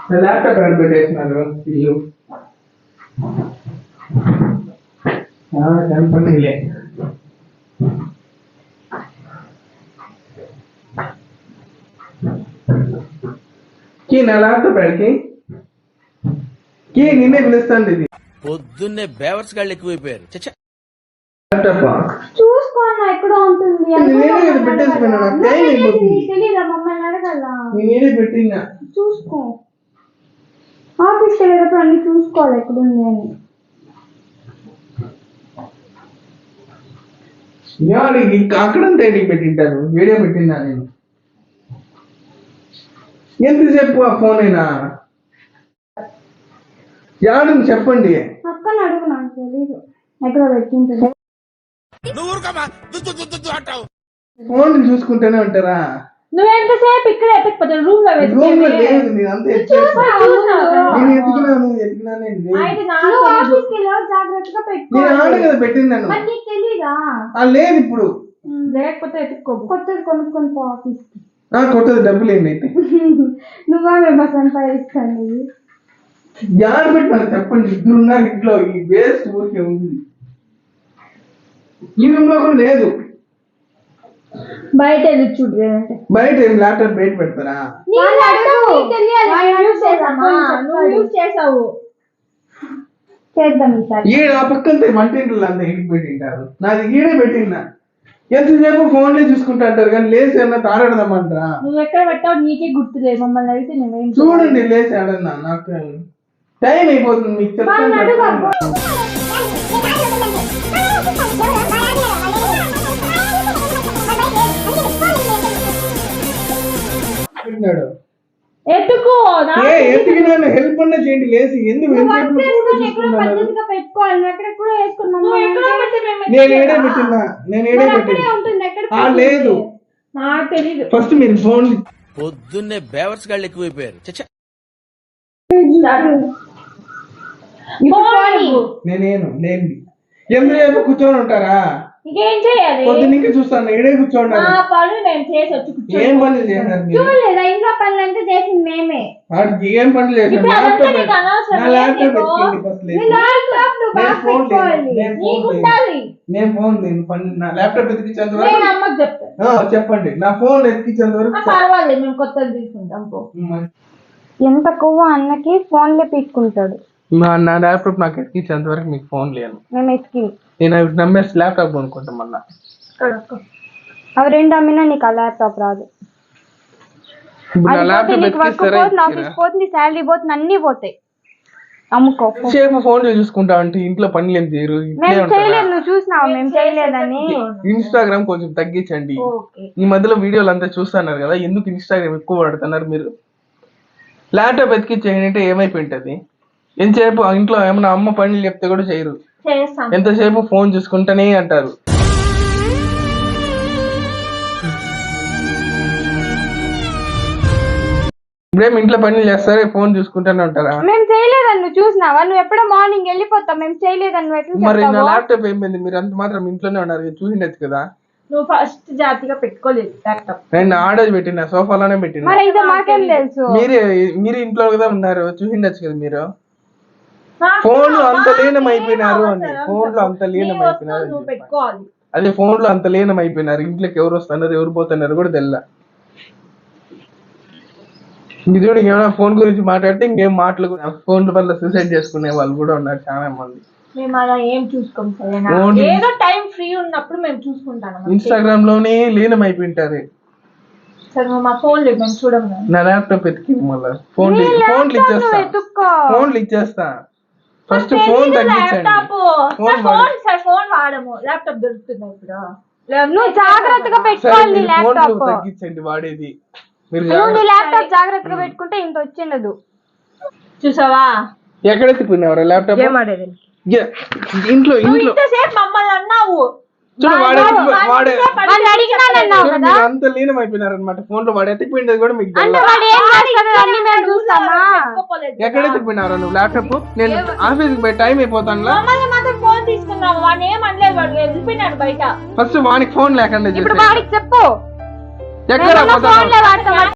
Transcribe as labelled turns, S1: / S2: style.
S1: Laptop ఎక్కడ పెట్టేసినారు ఇల్లు కనపడలే. నా ల్యాప్టాప్ ఎక్కడికి నిన్నే పిలుస్తాండి. ఇది
S2: పొద్దున్నే బేవర్స్ గాళ్ళు ఎక్కువైపోయారు.
S1: ల్యాప్టాప్
S3: చూసుకోన్నా ఎక్కడ ఉంటుంది తెలీదా మమ్మల్ని అడగల.
S1: నేనే పెట్టినా.
S3: చూసుకో ఆఫీస్కి వెళ్ళేటప్పుడు అన్ని చూసుకోవాలి ఎక్కడుంది అని.
S1: అక్కడంతా ఏంటికి పెట్టింటారు. వీడియో పెట్టిందా నేను ఎంతసేపు ఆ ఫోన్ అయినా యాడు చెప్పండి.
S3: అక్కని అడుగు నాకు తెలీదు ఎక్కడ పెట్టింటారు.
S1: ఫోన్ చూసుకుంటూనే ఉంటారా?
S3: నువ్వు ఎంతసేపు ఇక్కడ ఎత్తకపోతావు రూమ్ లో
S1: లేదు. నేను అంతా
S3: జాగ్రత్తగా పెట్టుకో.
S1: కదా పెట్టిందాను
S3: తెలీదా?
S1: లేదు ఇప్పుడు
S3: లేకపోతే ఎత్తుకో. కొత్తది కొనుక్కొని పో ఆఫీస్ కి.
S1: కొత్తది డబ్బులు ఏంటి అయితే
S3: నువ్వా మేము సంపాదిస్తాను.
S1: యాడ్ పెట్టాలి చెప్పండి. ఇద్దరు ఉన్నారు ఇంట్లో. ఈ వేస్ట్ ఊరికే ఉంది. ఈ రూమ్ లో కూడా లేదు.
S3: బయట చూడు.
S1: బయట ఏం ల్యాప్టాప్ బయట పెడతారా? ఈడ ఆ పక్కన వంటింట్లో అంతా ఇంటికి పెట్టింటారు. నాది ఈడే పెట్టిందా. ఎంతసేపు ఫోన్లే చూసుకుంటా అంటారు కానీ లేచి ఏమన్నా తాడడదామంటారా?
S3: నువ్వు ఎక్కడ పెట్టావు నీకే గుర్తులేదు. మమ్మల్ని అయితే నువ్వేం
S1: చూడండి లేచి ఆడన్నా. నాకు టైం అయిపోతుంది. మీకు చెప్తాను.
S3: ఎత్తుకో.
S1: హెల్ప్ అన్నా చేయండి. లేచి ఎందుకు నేను ఏడే పెట్టినా. లేదు ఫస్ట్ మీరు ఫోన్.
S2: పొద్దున్నే బేవర్స్ గాళ్ళు ఎక్కువైపోయారు.
S1: నేనేను లేండి. ఎందుకు కూర్చొని ఉంటారా?
S3: ఇంకేం చేయాలి?
S1: పొద్దున్న ఇంకా చూస్తాను. ఇడే కూర్చోండి. ఏం పనులు చేశారు?
S3: చూడలేదా ఇంట్లో పనులు అంతా చేసింది మేమే.
S1: ఏం పనులు చేశారు? నేను ఫోన్ నా ల్యాప్టాప్ ఎత్తికించేంత వరకు చెప్పండి. నా ఫోన్ ఎత్తికించేంత వరకు
S3: పర్వాలేదు మేము కొత్తది తీసుకుంటాం. ఎంత కొవ్వ అన్నకి ఫోన్లే పీక్కుంటాడు.
S1: నా ల్యాప్టాప్ నాకు ఎత్తికించేంత వరకు మీకు ఫోన్ లేదు.
S3: మేము ఎత్తికి
S1: నేను నమ్మేసి ల్యాప్టాప్ కొనుక్కుంటాం. మళ్ళా
S3: అవి రెండు అమ్మినా నీకు ఆ ల్యాప్టాప్ రాదు. ఆఫీస్ పోతుంది, శాలరీ పోతుంది, అన్ని పోతాయి. అమ్ముకో.
S1: ఫోన్ చూసుకుంటా అంటే ఇంట్లో పనులు ఏం చేయరు.
S3: మేము చేయలేదు. నువ్వు చూసినావా మేము చేయలేదని?
S1: ఇన్స్టాగ్రామ్ కొంచెం తగ్గించండి. ఈ మధ్యలో వీడియోలు అంతా చూస్తున్నారు కదా, ఎందుకు ఇన్స్టాగ్రామ్ ఎక్కువ వాడుతున్నారు మీరు? ల్యాప్టాప్ ఎత్తికిచ్చేయండి అంటే ఏమైపోయింటది? ఎంతసేపు ఇంట్లో ఏమన్నా అమ్మ పనులు చెప్తే కూడా చేయరు. ఎంతసేపు ఫోన్ చూసుకుంటానే అంటారు. ఇప్పుడేం ఇంట్లో పనులు చేస్తారే ఫోన్ చూసుకుంటానే ఉంటారా?
S3: మేము చేయలేదని నువ్వు చూసినావా? నువ్వు ఎప్పుడో మార్నింగ్ వెళ్ళిపోతావు. మేము చేయలేదని
S1: మరి నా ల్యాప్టాప్ ఏమైంది? మీరు అంత మాత్రం ఇంట్లోనే ఉన్నారు, చూసిండొచ్చు కదా.
S3: నువ్వు ఫస్ట్ జాతిగా పెట్టుకోలేదు ల్యాప్టాప్.
S1: నేను ఆర్డర్ పెట్టినా, సోఫాలోనే పెట్టినా.
S3: మాకేం తెలుసు?
S1: మీరు ఇంట్లో కదా ఉన్నారు, చూసిండొచ్చు కదా మీరు. ఫోన్ లో అంత లీనం అయిపోయినారు అని. ఫోన్ లో అంత లీనం అయిపోయినారు. అదే ఫోన్ లో అంత లీనం అయిపోయినారు. ఇంట్లోకి ఎవరు వస్తున్నారు ఎవరు పోతున్నారు కూడా తెల్లా. ఇది చూడు, ఏమైనా ఫోన్ గురించి మాట్లాడితే ఇంకేం మాటలు. ఫోన్ వల్ల సూసైడ్ చేసుకునే వాళ్ళు కూడా ఉన్నారు చాలా మంది.
S3: మేము అలా ఏం చూసుకోం. ఏదో టైం ఫ్రీ ఉన్నప్పుడు మేము చూసుకుంటాం.
S1: ఇన్స్టాగ్రామ్ లోనే లీనం అయిపోయింటారు.
S3: మా ఫోన్ లేదు మేము చూడము.
S1: నా ల్యాప్టాప్ ఎత్తికి మళ్ళీ ఫోన్లు ఇచ్చేస్తా. ఫస్ట్ ఫోన్ తగ్గించండి.
S3: ఫోన్ వాడము, ల్యాప్టాప్ దొరుకుతుంది ఇప్పుడు. నువ్వు జాగ్రత్తగా పెట్టుకోవాలి. ల్యాప్టాప్
S1: తగ్గించండి వాడేది.
S3: నువ్వు ల్యాప్టాప్ జాగ్రత్తగా పెట్టుకుంటే ఇంత వచ్చిండదు. చూసావా
S1: ఎక్కడ ఎత్తుకున్నావు ల్యాప్టాప్? ఇంట్లో
S3: మమ్మల్ని అన్నావు.
S1: అంత లీనం అయిపోయినారనమాట ఫోన్ లో. వాడు ఎత్తిపోయింది కూడా మీకు ఎక్కడ ఎత్తిపోయినారా నువ్వు ల్యాప్టాప్? నేను ఆఫీస్కి పోయి టైం అయిపోతాను. ఫస్ట్ వానికి ఫోన్ లేకుండా చెప్పు. ఎక్కడ